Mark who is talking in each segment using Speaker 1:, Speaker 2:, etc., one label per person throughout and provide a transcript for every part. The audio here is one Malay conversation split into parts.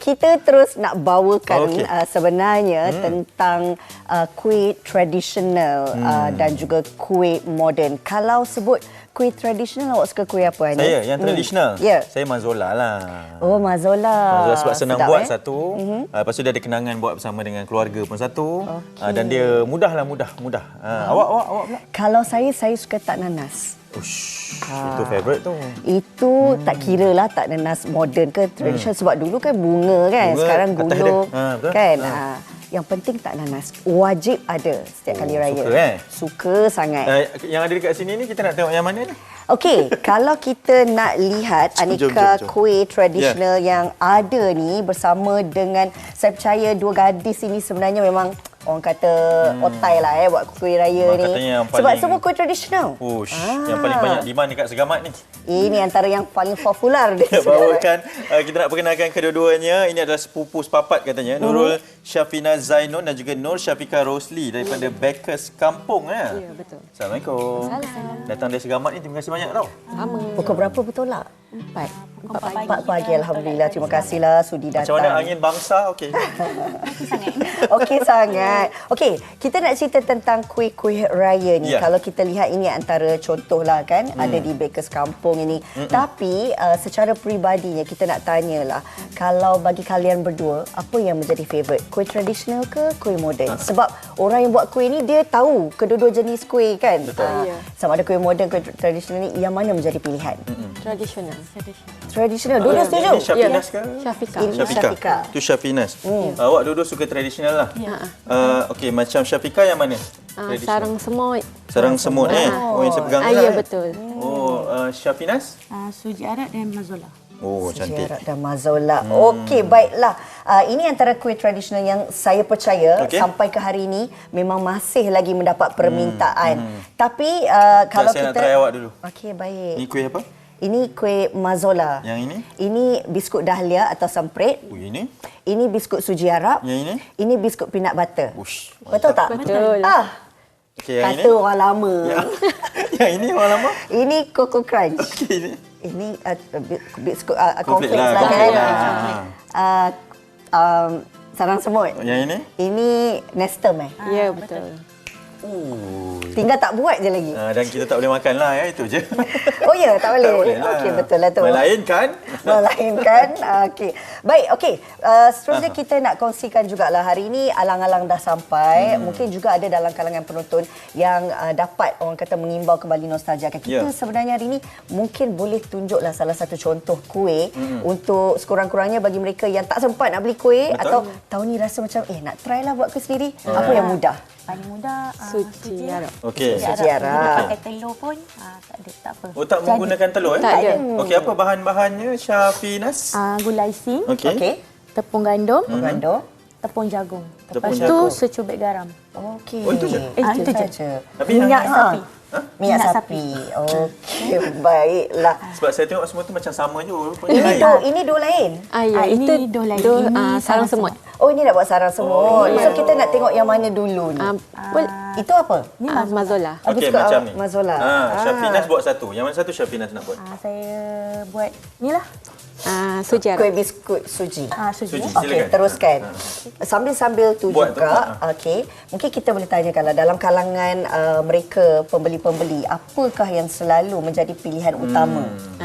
Speaker 1: kita terus nak bawakan sebenarnya tentang kuih tradisional dan juga kuih moden. Kalau sebut kuih tradisional, awak suka kuih apa, Anis?
Speaker 2: Saya yang tradisional. Saya mazola lah.
Speaker 1: Oh, mazola.
Speaker 2: Sebab senang buat satu. Lepas tu dia ada kenangan buat bersama dengan keluarga pun satu. Dan dia mudah. Awak pula?
Speaker 1: Kalau saya suka tak nanas.
Speaker 2: Itu favourite tu.
Speaker 1: Itu tak kira lah tak nanas moden ke tradisional. Sebab dulu kan bunga kan. Sekarang gula kan. Yang penting tak nanas. Wajib ada setiap kali raya. Suka sangat.
Speaker 2: Yang ada dekat sini ni kita nak tengok yang mana ni?
Speaker 1: Okey, kalau kita nak lihat aneka kuih tradisional yang ada ni bersama dengan, saya percaya dua gadis ini sebenarnya memang orang kata otai lah buat kuih raya ni. Sebab semua kuih tradisional.
Speaker 2: Yang paling banyak demand dekat Segamat ni.
Speaker 1: Ini antara yang paling popular dia.
Speaker 2: Bawakan, kita nak perkenalkan kedua-duanya. Ini adalah sepupu sepapat katanya. Nurul Syafina Zainun dan juga Nur Syafika Rosli daripada Bakers Kampung. Ya,
Speaker 3: betul.
Speaker 2: Assalamualaikum. Datang dari Segamat ni, terima kasih banyak tau.
Speaker 3: Sama.
Speaker 1: Pukul berapa bertolak? 4 pagi. Alhamdulillah. Terima kasihlah sudi datang.
Speaker 2: Macam mana angin bangsa? Okey.
Speaker 1: Okey sangat. Okey, kita nak cerita tentang kuih-kuih raya ni. Kalau kita lihat ini antara contohlah kan, ada di Bakers Kampung ini. Tapi secara peribadinya kita nak tanyalah, kalau bagi kalian berdua, apa yang menjadi favourite? Kuih tradisional ke kuih moden? Sebab orang yang buat kuih ni dia tahu kedua-dua jenis kuih kan. Sama ada kuih moden, kuih tradisional ni, yang mana menjadi pilihan?
Speaker 3: Tradisional.
Speaker 1: Tradisional. Dua-dua setuju?
Speaker 2: Ini Syafinas ke?
Speaker 1: Syafika.
Speaker 2: Itu Syafinas. Awak dua-dua suka tradisional lah. Okey, macam Syafika yang mana?
Speaker 3: Sarang semut.
Speaker 2: Sarang semut Oh, yang saya pegang ni lah.
Speaker 3: Ya, betul.
Speaker 2: Oh, Syafinas?
Speaker 4: Suji Arab dan mazola.
Speaker 2: Oh, cantik.
Speaker 1: Suji dan mazola. Okey, baiklah. Ini antara kuih tradisional yang saya percaya sampai ke hari ini memang masih lagi mendapat permintaan. Tapi kalau
Speaker 2: saya
Speaker 1: kita...
Speaker 2: nak try awak dulu.
Speaker 1: Okey, baik.
Speaker 2: Ini kuih apa?
Speaker 1: Ini kuih mazola.
Speaker 2: Yang ini?
Speaker 1: Ini biskut dahlia atau samprit.
Speaker 2: Ini?
Speaker 1: Ini biskut suji Arab.
Speaker 2: Yang ini?
Speaker 1: Ini biskut peanut butter. Betul tak?
Speaker 3: Betul.
Speaker 2: Okay, yang
Speaker 1: kata
Speaker 2: ini?
Speaker 1: orang lama.
Speaker 2: Yang ini orang lama?
Speaker 1: Ini Coco Crunch.
Speaker 2: Okey,
Speaker 1: ini biskut
Speaker 2: cornflakes
Speaker 1: cornflakes lah kan. Sarang semut.
Speaker 2: Yang ini?
Speaker 1: Ini Nestum
Speaker 3: Ya, betul.
Speaker 1: Tinggal tak buat je lagi.
Speaker 2: Dan kita tak boleh makan lah itu je.
Speaker 1: Oh ya, tak boleh. Okey, betul lah tu.
Speaker 2: Melainkan.
Speaker 1: Okey. Baik, okey. Seterusnya kita nak kongsikan jugalah hari ini alang-alang dah sampai. Mungkin juga ada dalam kalangan penonton yang dapat orang kata mengimbau kembali nostalgia. Kita sebenarnya hari ini mungkin boleh tunjuklah salah satu contoh kuih untuk sekurang-kurangnya bagi mereka yang tak sempat nak beli kuih atau tahun ni rasa macam nak try lah buat kuih sendiri. Apa yang mudah?
Speaker 4: Paling mudah
Speaker 3: Suji Arab.
Speaker 2: Okey.
Speaker 1: Suji Arab.
Speaker 4: Pakai telur pun tak apa.
Speaker 2: Oh, tak menggunakan telur
Speaker 3: Tak ada.
Speaker 2: Okey, apa bahan-bahannya Syafinas?
Speaker 4: Gula isi,
Speaker 2: Okey.
Speaker 4: tepung gandum,
Speaker 1: Tepung
Speaker 4: jagung.
Speaker 2: Tepung
Speaker 4: Lepas tu
Speaker 2: jagung.
Speaker 4: secubit garam.
Speaker 1: Okey.
Speaker 2: Oh, itu je?
Speaker 4: Itu je.
Speaker 1: saja.
Speaker 2: Tapi
Speaker 4: Minyak sapi.
Speaker 1: Minyak sapi. Okey, baiklah.
Speaker 2: Sebab saya tengok semua tu macam sama je rupanya.
Speaker 1: Ini dua lain.
Speaker 3: Ya,
Speaker 4: ini
Speaker 3: itu
Speaker 4: dua lain.
Speaker 3: Ini
Speaker 4: sarang
Speaker 3: sarang semut.
Speaker 1: Oh, ini nak buat sarang semut. So kita nak tengok yang mana dulu ni. Itu apa?
Speaker 3: Mazola.
Speaker 2: Okey,
Speaker 1: biskut
Speaker 2: macam ni.
Speaker 1: mazola.
Speaker 2: Syafinas buat satu. Yang mana satu Syafinas nak buat?
Speaker 4: Saya buat ni lah.
Speaker 3: Suji Arab.
Speaker 1: Kuih biskut suji.
Speaker 4: Suji.
Speaker 2: Suji.
Speaker 1: Okey,
Speaker 2: Silakan.
Speaker 1: teruskan. Sambil-sambil tu
Speaker 2: Buat tu,
Speaker 1: juga, okey. Mungkin kita boleh tanyakanlah dalam kalangan mereka pembeli-pembeli, apakah yang selalu menjadi pilihan utama?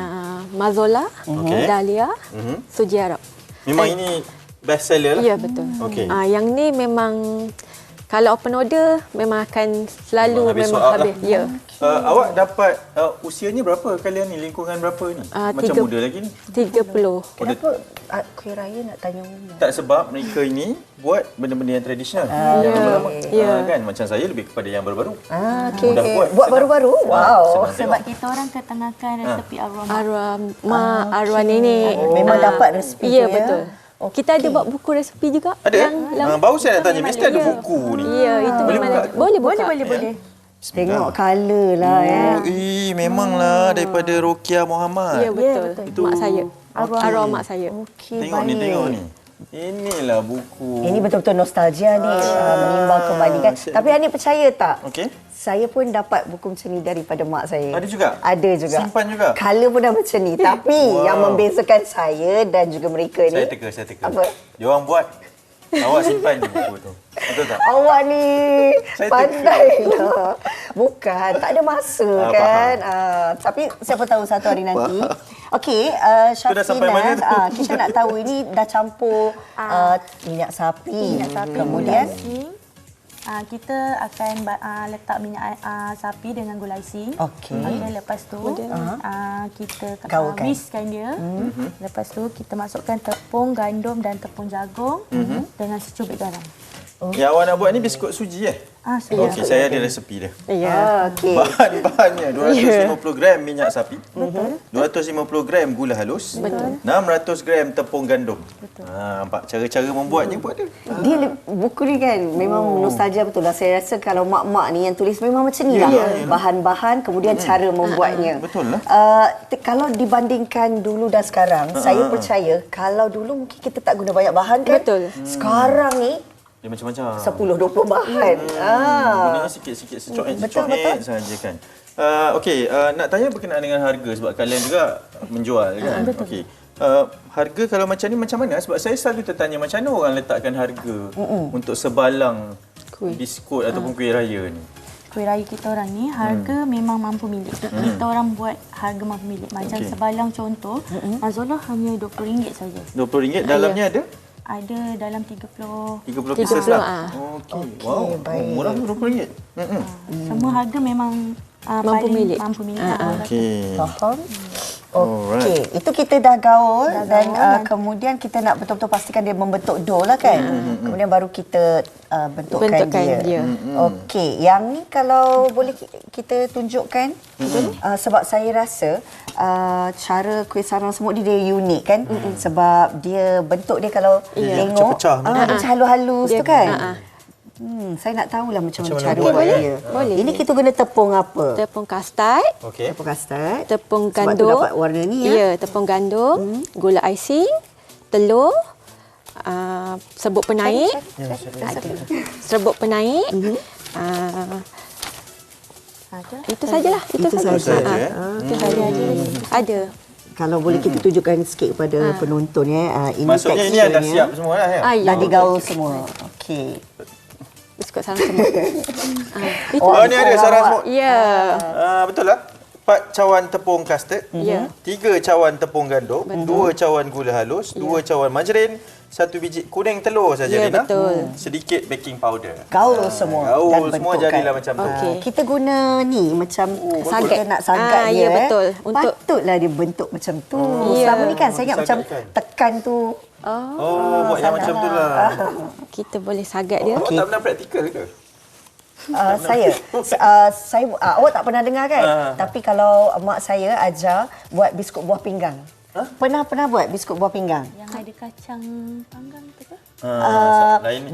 Speaker 3: Mazola, Dahlia, Suji Arab.
Speaker 2: Memang ini best seller lah.
Speaker 3: Ya, betul.
Speaker 2: Okey.
Speaker 3: Yang ni memang kalau open order memang akan selalu
Speaker 2: Memang habis
Speaker 3: memang
Speaker 2: soal
Speaker 3: habis.
Speaker 2: lah.
Speaker 3: Ya.
Speaker 2: Awak dapat usianya berapa kalian ni? Lingkungan berapa ni? Macam muda lagi ni.
Speaker 3: 30.
Speaker 1: Kenapa kuih raya nak tanya umur?
Speaker 2: Tak, sebab mereka ini buat benda-benda yang tradisional. Yang lama-lama. Kan? Macam saya lebih kepada yang baru-baru.
Speaker 1: Okey.
Speaker 2: Mudah buat.
Speaker 1: Buat baru-baru? Wow.
Speaker 2: Senang
Speaker 4: Sebab
Speaker 2: tengok.
Speaker 4: kita orang ketengahkan resepi arwah.
Speaker 3: Arwah nenek.
Speaker 1: Memang dapat resepi tu
Speaker 3: Ya,
Speaker 1: ya?
Speaker 3: betul. Kita ada buat buku resepi juga.
Speaker 2: Ada? Baru saya nak tanya. Mesti ada buku ni.
Speaker 3: Ya, itu
Speaker 2: Boleh
Speaker 3: memang
Speaker 2: buka?
Speaker 3: ada. Boleh buka.
Speaker 4: Boleh.
Speaker 1: Tengok colour lah
Speaker 2: Memanglah daripada Rokia Muhammad.
Speaker 3: Ya, betul.
Speaker 2: Itu
Speaker 3: Mak saya. Arwah mak saya.
Speaker 1: Okey,
Speaker 2: Tengok ni, tengok ni. Inilah buku.
Speaker 1: Ini betul-betul nostalgia ni, menimbang kembali kan. Tapi Hanif percaya tak?
Speaker 2: Okey.
Speaker 1: Saya pun dapat buku macam ni daripada mak saya.
Speaker 2: Ada juga?
Speaker 1: Ada juga.
Speaker 2: Simpan juga?
Speaker 1: Color pun dah macam ni. Tapi yang membezakan saya dan juga mereka ni.
Speaker 2: Saya teka.
Speaker 1: Apa?
Speaker 2: Dia orang buat, awak simpan je buku tu. Betul tak?
Speaker 1: Awak ni
Speaker 2: Saya
Speaker 1: pandai lah. Bukan, tak ada masa kan. Tapi siapa tahu satu hari nanti. Okey,
Speaker 2: dah sampai mana tu?
Speaker 1: kita nak tahu ini dah campur minyak sapi. Kemudian
Speaker 4: kita akan letak minyak sapi dengan gula icing.
Speaker 1: Okey.
Speaker 4: Lepas tu kita
Speaker 1: Gaulkan.
Speaker 4: whiskkan dia. Lepas tu kita masukkan tepung gandum dan tepung jagung dengan secubit garam.
Speaker 2: Yang awak nak buat ni biskut suji Okey, saya ada resepi dia.
Speaker 3: Ya.
Speaker 1: Okey.
Speaker 2: Bahan-bahannya 250 gram minyak sapi. Betul. 250 gram gula halus. Betul. 600 gram tepung gandum. Betul. Nampak cara-cara membuatnya pun ada.
Speaker 1: Dia buku ni kan memang nostalgia betul lah. Saya rasa kalau mak-mak ni yang tulis memang macam ni lah. Bahan-bahan kemudian cara membuatnya.
Speaker 2: Betul lah.
Speaker 1: Kalau dibandingkan dulu dan sekarang, saya percaya kalau dulu mungkin kita tak guna banyak bahan kan.
Speaker 3: Betul.
Speaker 1: Sekarang ni
Speaker 2: Dia macam-macam.
Speaker 1: 10-20 bahan.
Speaker 2: Gunanya sikit-sikit secoet-secoet saja kan. Okey, nak tanya berkenaan dengan harga sebab kalian juga menjual kan. Okey. Harga kalau macam ni macam mana? Sebab saya selalu tertanya macam mana orang letakkan harga untuk sebalang biskut ataupun kuih raya ni.
Speaker 4: Kuih raya kita orang ni harga memang mampu milik. Kita orang buat harga mampu milik. Macam sebalang contoh, Mazola hanya RM20 saja.
Speaker 2: RM20 dalamnya ada?
Speaker 4: Ada dalam 30
Speaker 2: pieces lah. Okey. Wow,
Speaker 1: baik.
Speaker 2: murah RM20.
Speaker 4: Semua harga memang
Speaker 3: Mampu milik.
Speaker 4: Mampu milik.
Speaker 2: Okey.
Speaker 1: Faham? Okey, itu kita dah gaul dan kemudian kita nak betul-betul pastikan dia membentuk dough lah kan. Kemudian baru kita bentukkan dia. Okey, yang ni kalau boleh kita tunjukkan sebab saya rasa cara kuih sarang semut dia unik kan. Sebab dia bentuk dia kalau tengok macam halus-halus tu kan. Saya nak tahulah macam mana cara buat dia.
Speaker 3: Boleh.
Speaker 1: Ini kita guna tepung apa?
Speaker 3: Tepung kastad,
Speaker 2: Okey.
Speaker 1: Tepung kastard.
Speaker 3: tepung
Speaker 1: Sebab tu
Speaker 3: gandum.
Speaker 1: dapat warna ni ya.
Speaker 3: Ya, tepung gandum, gula icing, telur, serbuk penaik, serbuk penaik. Itu sajalah. Itu saja. Itu saja. Ada.
Speaker 1: Kalau boleh kita tunjukkan sikit kepada penonton ya. Ini
Speaker 2: Maksudnya ini dah siap semua lah ya?
Speaker 1: Dah digaul semua. Okey.
Speaker 3: Biskut sarang semut.
Speaker 2: Oh, ni ada sarang semut.
Speaker 3: Ya.
Speaker 2: Betul lah. 4 cawan tepung kastard,
Speaker 3: Ya.
Speaker 2: 3 cawan tepung gandum, 2 cawan gula halus, 2 cawan margarin, 1 biji kuning telur saja
Speaker 3: Ya,
Speaker 2: Rina.
Speaker 3: betul.
Speaker 2: Sedikit baking powder.
Speaker 1: Gaul semua.
Speaker 2: Gaul
Speaker 1: dan
Speaker 2: semua
Speaker 1: bentukkan.
Speaker 2: jadilah macam tu.
Speaker 3: Okey.
Speaker 1: Kita guna ni macam
Speaker 3: Sagat.
Speaker 1: kita nak sagat dia.
Speaker 3: Ya, betul. Untuk
Speaker 1: Patutlah dia bentuk macam tu.
Speaker 3: Ya.
Speaker 1: Selama ni kan saya ingat macam
Speaker 2: Disagakkan.
Speaker 1: tekan tu.
Speaker 2: Oh, buat yang macam tu lah.
Speaker 3: kita boleh sagat dia.
Speaker 2: Awak tak pernah praktikal ke?
Speaker 1: Saya awak tak pernah dengar kan? Tapi kalau mak saya ajar buat biskut buah pinggang. Pernah buat biskut buah pinggang?
Speaker 4: Yang ada kacang panggang tu ke?
Speaker 2: Lain.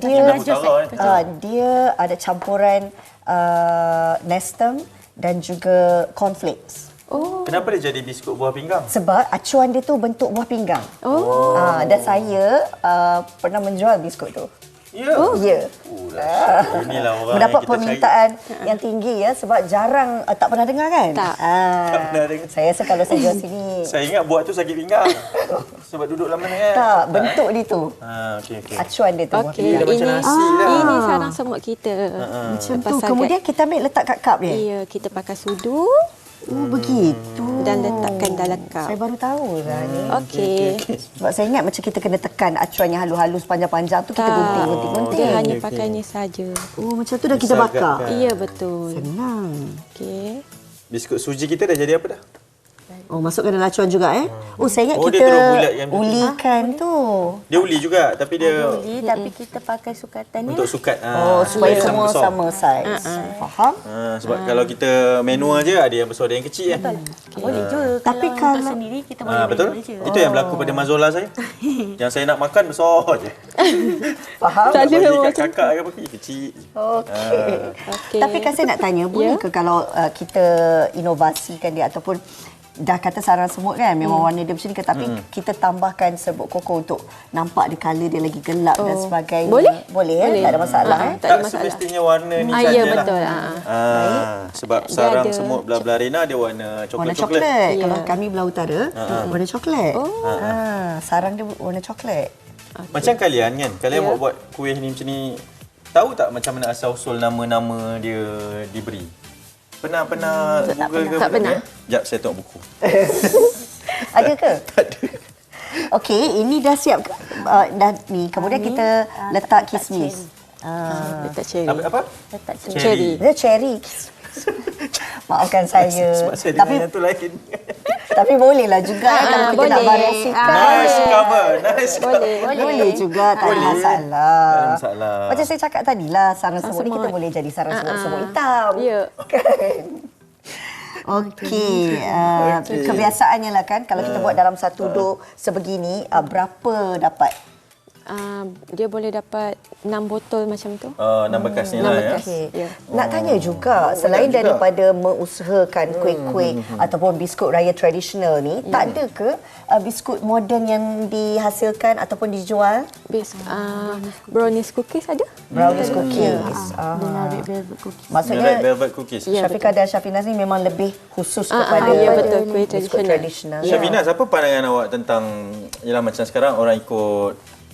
Speaker 1: Dia ada campuran nestem dan juga cornflakes.
Speaker 2: Kenapa dia jadi biskut buah pinggang?
Speaker 1: Sebab acuan dia tu bentuk buah pinggang. Dan saya pernah menjual biskut tu.
Speaker 2: Ya.
Speaker 1: Ya.
Speaker 2: Inilah orang
Speaker 1: Mendapat
Speaker 2: yang kita
Speaker 1: permintaan yang tinggi ya sebab jarang tak pernah dengar kan?
Speaker 3: Tak.
Speaker 2: Tak pernah dengar.
Speaker 1: Saya rasa kalau saya jual sini
Speaker 2: Saya ingat buat tu sakit pinggang. Sebab duduk lama kan.
Speaker 1: tak bentuk dia tu.
Speaker 2: Okey.
Speaker 1: Acuan dia tu.
Speaker 3: Okey,
Speaker 2: Dia macam
Speaker 3: ini
Speaker 2: nasi lah.
Speaker 3: ini sarang semut kita.
Speaker 1: Macam
Speaker 3: Lepas
Speaker 1: tu.
Speaker 3: sagat.
Speaker 1: Kemudian kita ambil letak kat cup dia.
Speaker 3: Ya, kita pakai sudu
Speaker 1: Begitu.
Speaker 3: dan letakkan dalam cup.
Speaker 1: Saya baru tahu lah ni.
Speaker 3: Okey.
Speaker 1: Sebab saya ingat macam kita kena tekan acuan yang halus-halus panjang-panjang tu kita gunting.
Speaker 3: Dia hanya pakainya saja.
Speaker 1: Oh macam tu dah kita bakar.
Speaker 2: Disagatkan.
Speaker 3: Ya, betul.
Speaker 1: Senang.
Speaker 3: Okey.
Speaker 2: Biskut suji kita dah jadi apa dah?
Speaker 1: Oh masukkan dalam acuan juga Oh saya ingat
Speaker 2: Oh, dia
Speaker 1: kita
Speaker 2: terus bulat yang betul.
Speaker 1: ulikan tu.
Speaker 2: Dia uli juga tapi dia
Speaker 4: Tapi kita pakai sukatan ni.
Speaker 2: untuk sukat.
Speaker 1: Supaya
Speaker 2: yang
Speaker 1: semua
Speaker 2: besar.
Speaker 1: sama saiz. Faham?
Speaker 2: Sebab kalau kita manual je ada yang besar ada yang kecil kan.
Speaker 4: Boleh je.
Speaker 1: Tapi
Speaker 4: Kalau
Speaker 1: kalau-
Speaker 4: untuk sendiri kita boleh
Speaker 2: Betul?
Speaker 4: manual je.
Speaker 2: Itu yang berlaku pada Mazola saya. Yang saya nak makan besar je.
Speaker 1: Faham?
Speaker 2: Nak bagi kat kakak ke apa kecil.
Speaker 1: Okey.
Speaker 3: Okey.
Speaker 1: Tapi kan saya nak tanya, boleh ke kalau kita inovasikan dia ataupun dah kata sarang semut kan, memang warna dia macam ni, tapi kita tambahkan serbuk koko untuk nampak dia colour dia lagi gelap dan sebagainya.
Speaker 3: Boleh?
Speaker 1: Boleh, tak ada masalah.
Speaker 3: Tak ada
Speaker 2: Tak
Speaker 3: masalah.
Speaker 2: semestinya warna ni
Speaker 3: Ya,
Speaker 2: sajalah.
Speaker 3: betul.
Speaker 2: Sebab
Speaker 3: Dia
Speaker 2: sarang
Speaker 3: ada.
Speaker 2: semut belah-belah dia warna
Speaker 1: Warna
Speaker 2: coklat-coklat.
Speaker 1: coklat.
Speaker 3: Ya.
Speaker 1: Kalau kami belah utara, warna coklat. Sarang dia warna coklat.
Speaker 2: Macam kalian kan, kalian buat kuih ni macam ni, tahu tak macam mana asal-usul nama-nama dia diberi? Pernah Google ke?
Speaker 3: Tak pernah.
Speaker 2: Sekejap, saya tengok buku.
Speaker 1: Ada ke?
Speaker 2: Tak ada.
Speaker 1: Okey, ini dah siap ke? Dah ni. Kemudian kita letak kismis.
Speaker 3: Letak cherry.
Speaker 2: Apa?
Speaker 4: Letak
Speaker 3: Cherry.
Speaker 1: Dia cherry. Maafkan saya.
Speaker 2: Sebab saya
Speaker 1: Tapi
Speaker 2: dengan yang tu lain.
Speaker 1: tapi bolehlah juga kalau kita nak
Speaker 3: boleh.
Speaker 1: variasikan.
Speaker 2: Nice cover. Nice cover.
Speaker 1: Boleh juga, tak ada masalah.
Speaker 2: Tak ada masalah.
Speaker 1: Macam saya cakap tadilah, sarang semut ni kita boleh jadi sarang semut hitam.
Speaker 3: Ya.
Speaker 1: Kan? Okey. Kebiasaannya lah kan, kalau kita buat dalam satu dok sebegini, berapa dapat?
Speaker 3: Dia boleh dapat 6 botol macam tu.
Speaker 2: 6 bekas ni
Speaker 3: 6
Speaker 2: lah ya.
Speaker 3: bekas.
Speaker 1: Okey.
Speaker 3: Ya.
Speaker 1: Nak tanya juga, selain
Speaker 2: juga.
Speaker 1: daripada mengusahakan kuih-kuih ataupun biskut raya tradisional ni, tak ada ke biskut moden yang dihasilkan ataupun dijual?
Speaker 3: Brownies cookies ada?
Speaker 1: Brownies cookies.
Speaker 4: dengan red velvet cookies.
Speaker 2: Red
Speaker 1: Maksudnya
Speaker 2: velvet cookies.
Speaker 3: Ya,
Speaker 1: Syafiqah dan Syafinaz ni memang lebih khusus kepada
Speaker 3: ya, betul. Kuih
Speaker 1: biskut
Speaker 3: tradisional.
Speaker 1: tradisional.
Speaker 2: Syafinaz, apa pandangan awak tentang, yalah macam sekarang orang ikut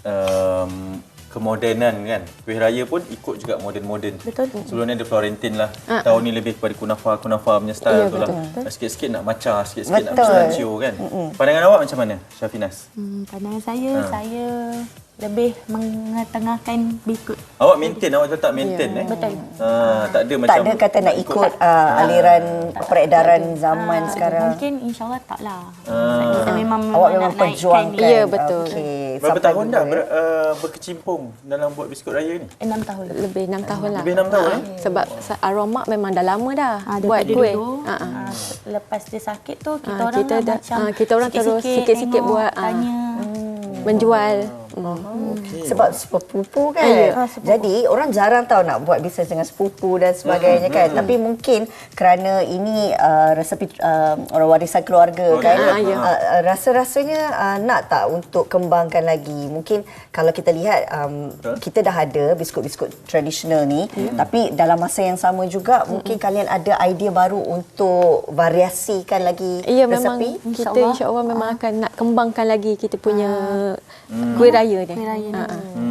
Speaker 2: kemodenan kan. Kuih raya pun ikut juga moden-moden.
Speaker 4: Betul.
Speaker 2: Sebelum ni ada Florentine lah. Tahun ni lebih kepada kunafa punya style
Speaker 3: Ya,
Speaker 2: tu lah.
Speaker 3: betul.
Speaker 2: Sikit-sikit nak matcha, sikit-sikit nak
Speaker 1: Betul.
Speaker 2: pistachio kan. Pandangan awak macam mana, Syafinaz?
Speaker 4: Pandangan saya lebih mengetengahkan biskut.
Speaker 2: Awak maintain, awak tetap maintain
Speaker 4: Betul.
Speaker 2: tak ada macam
Speaker 1: Tak ada kata nak ikut aliran peredaran zaman sekarang.
Speaker 4: Mungkin insyaAllah tak lah. Kita memang
Speaker 1: Awak memang
Speaker 4: nak naikkan
Speaker 1: perjuangkan.
Speaker 3: Ya, betul.
Speaker 1: Okey.
Speaker 2: Berapa
Speaker 1: Sampai
Speaker 2: tahun dah
Speaker 1: dulu, ya?
Speaker 2: berkecimpung dalam buat biskut raya ni?
Speaker 4: 6 tahun.
Speaker 3: Lebih 6 tahun lah.
Speaker 2: Lebih 6 tahun,
Speaker 3: Sebab aroma memang dah lama dah buat
Speaker 4: Daripada
Speaker 3: kuih.
Speaker 4: dulu, lepas dia sakit tu, kita orang
Speaker 3: kita
Speaker 4: dah
Speaker 3: dah-
Speaker 4: macam
Speaker 3: kita orang terus sikit-sikit
Speaker 4: tengok,
Speaker 3: buat,
Speaker 4: tanya.
Speaker 3: Menjual.
Speaker 1: Sebab sepupu kan.
Speaker 4: sepupu.
Speaker 1: Jadi orang jarang tahu nak buat bisnes dengan sepupu dan sebagainya kan. Tapi mungkin kerana ini resepi orang warisan keluarga kan. Rasa-rasanya nak tak untuk kembangkan lagi. Mungkin kalau kita lihat kita dah ada biskut-biskut tradisional ni, tapi dalam masa yang sama juga mungkin kalian ada idea baru untuk variasikan lagi
Speaker 3: Ya, memang
Speaker 1: resepi.
Speaker 3: kita insya-Allah memang akan nak kembangkan lagi kita punya kuih raya ni.
Speaker 4: Kuih raya ni.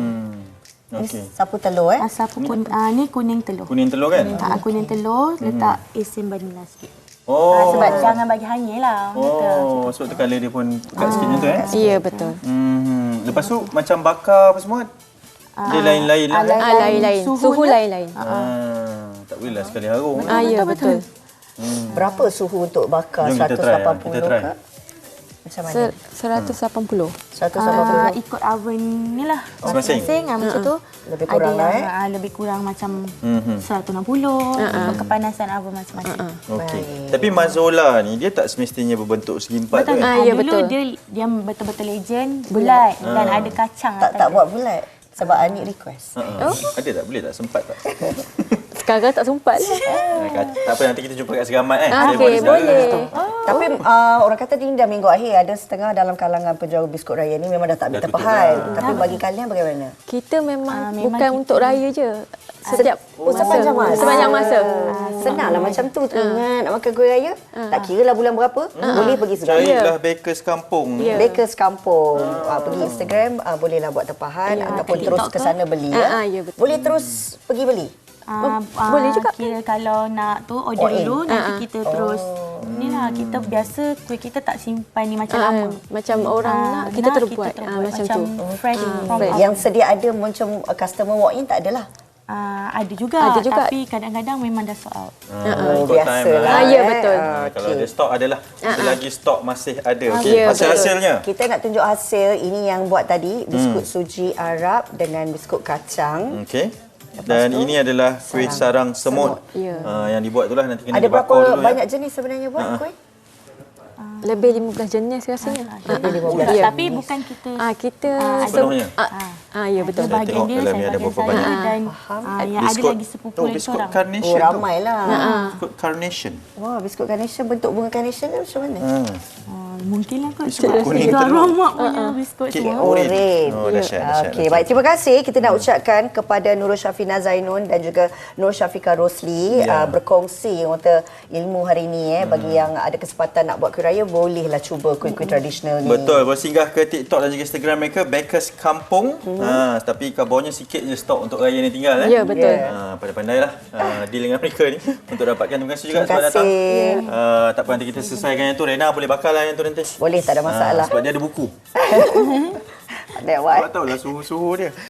Speaker 2: Okey.
Speaker 1: Sapu telur
Speaker 4: Sapu ni kuning telur.
Speaker 2: Kuning telur kan?
Speaker 4: Kuning telur, letak isen vanila sikit.
Speaker 2: Oh.
Speaker 4: Sebab jangan bagi hanyir lah.
Speaker 2: Oh, sebab tu colour dia pun pekat sikit macam tu
Speaker 3: Ya, betul.
Speaker 2: Lepas tu macam bakar apa semua, dia lain-lain lah.
Speaker 3: Lain-lain. Suhu lain-lain.
Speaker 2: Tak boleh lah sekali harum.
Speaker 3: Ya, betul.
Speaker 1: Berapa suhu untuk bakar?
Speaker 2: Jom kita try,
Speaker 1: 180
Speaker 2: kita try.
Speaker 1: ke? Macam mana?
Speaker 3: 180.
Speaker 1: 180.
Speaker 4: Ikut oven ni lah.
Speaker 2: Masing-masing.
Speaker 4: Macam tu.
Speaker 1: Lebih kurang
Speaker 4: ada
Speaker 1: lah,
Speaker 4: yang lebih kurang macam 160. Kepanasan oven masing-masing.
Speaker 2: Okey. Tapi mazola ni dia tak semestinya berbentuk segi empat tu.
Speaker 4: Betul.
Speaker 2: Kan?
Speaker 3: Ya,
Speaker 4: Dulu
Speaker 3: betul.
Speaker 4: dia betul-betul legend, bulat dan ada kacang
Speaker 1: Tak
Speaker 4: atas dia.
Speaker 1: buat bulat. Sebab Anik request.
Speaker 2: Ada tak? Boleh tak? Sempat tak?
Speaker 3: Sekarang tak sempat lah.
Speaker 2: Tak apa, nanti kita jumpa kat Segamat kan? Saya
Speaker 3: Okey,
Speaker 2: buat di sana.
Speaker 3: boleh.
Speaker 1: Tapi orang kata ni dah minggu akhir ada setengah dalam kalangan penjual biskut raya ni memang dah tak ambil
Speaker 2: Dah tutup
Speaker 1: tepahan.
Speaker 2: dah.
Speaker 1: Tapi bagi kalian bagaimana?
Speaker 3: Kita memang
Speaker 4: memang
Speaker 3: bukan
Speaker 4: kita-
Speaker 3: untuk raya je. Setiap
Speaker 1: sepanjang masa.
Speaker 3: Sepanjang masa.
Speaker 1: Senanglah macam tu ingat nak makan kuih raya. Tak kira lah bulan berapa. Boleh pergi segala.
Speaker 2: Carilah bakers kampung.
Speaker 1: Bakers kampung. Pergi Instagram bolehlah buat tepahan ataupun
Speaker 4: kat
Speaker 1: terus
Speaker 4: TikTok
Speaker 1: ke sana beli ya.
Speaker 3: ya, betul.
Speaker 1: Boleh terus pergi beli.
Speaker 3: boleh juga.
Speaker 4: Kira kalau nak tu order
Speaker 1: Walk in.
Speaker 4: dulu nanti kita terus ni lah kita biasa kuih kita tak simpan ni macam lama.
Speaker 3: Macam orang nak, kita terus buat. Macam tu.
Speaker 4: fresh from
Speaker 3: fresh.
Speaker 4: oven.
Speaker 1: Yang sedia ada macam customer walk in tak adalah.
Speaker 4: Ada juga,
Speaker 3: Ada juga.
Speaker 4: tapi kadang-kadang memang dah sold out.
Speaker 2: Ikut time
Speaker 1: Biasalah.
Speaker 2: lah.
Speaker 3: Ya, betul.
Speaker 2: Kalau ada stok adalah. Selagi stok masih ada. Okey.
Speaker 3: Ya, betul.
Speaker 2: Hasil-hasilnya.
Speaker 1: Kita nak tunjuk hasil ini yang buat tadi biskut suji Arab dengan biskut kacang.
Speaker 2: Okey. Dan ini adalah kuih sarang semut.
Speaker 3: Ya.
Speaker 2: Yang dibuat itulah nanti kena
Speaker 1: Ada
Speaker 2: dibakar
Speaker 1: berapa
Speaker 2: dulu
Speaker 1: banyak jenis sebenarnya buat kuih?
Speaker 3: Lebih 15 jenis rasanya.
Speaker 1: Lebih 15.
Speaker 3: Ya.
Speaker 4: Tapi bukan kita
Speaker 3: Kita
Speaker 2: Sepenuhnya?
Speaker 3: ya betul.
Speaker 4: ada bahagian
Speaker 2: tengok
Speaker 4: dia,
Speaker 2: dalam
Speaker 4: saya
Speaker 2: ni ada
Speaker 4: bahagian
Speaker 2: berapa
Speaker 4: saya
Speaker 2: banyak.
Speaker 4: dan yang ada lagi sepupu lagi
Speaker 2: biskut
Speaker 4: seorang.
Speaker 2: carnation
Speaker 1: Oh,
Speaker 2: tu.
Speaker 1: ramai lah.
Speaker 2: Biskut carnation.
Speaker 1: Wah, biskut carnation bentuk bunga carnation tu macam mana?
Speaker 4: Mungkin lah kot.
Speaker 2: Biskut kuning tu.
Speaker 4: Mak punya biskut
Speaker 2: Kek
Speaker 4: semua.
Speaker 2: oren.
Speaker 1: Oren.
Speaker 2: Oh, dahsyat.
Speaker 1: Okey, baik. Terima kasih. Kita nak ucapkan kepada Nurul Syafina Zainun dan juga Nur Syafiqah Rosli
Speaker 2: Ya.
Speaker 1: berkongsi mata ilmu hari ini. Bagi yang ada kesempatan nak buat kuih raya, bolehlah cuba kuih-kuih tradisional ni.
Speaker 2: Betul, boleh singgah ke TikTok dan juga Instagram mereka Bakers Kampung. Tapi kabarnya sikit je stok untuk raya ni tinggal.
Speaker 3: Ya, betul.
Speaker 2: Pandai-pandailah deal dengan mereka ni untuk dapatkan. Terima kasih juga sebab datang. Tak apa, nanti kita selesaikan yang tu. Rena boleh bakal lah yang tu nanti.
Speaker 1: Boleh, tak ada masalah.
Speaker 2: Sebab dia ada buku.
Speaker 1: That one.
Speaker 2: Sebab tahulah suhu-suhu dia.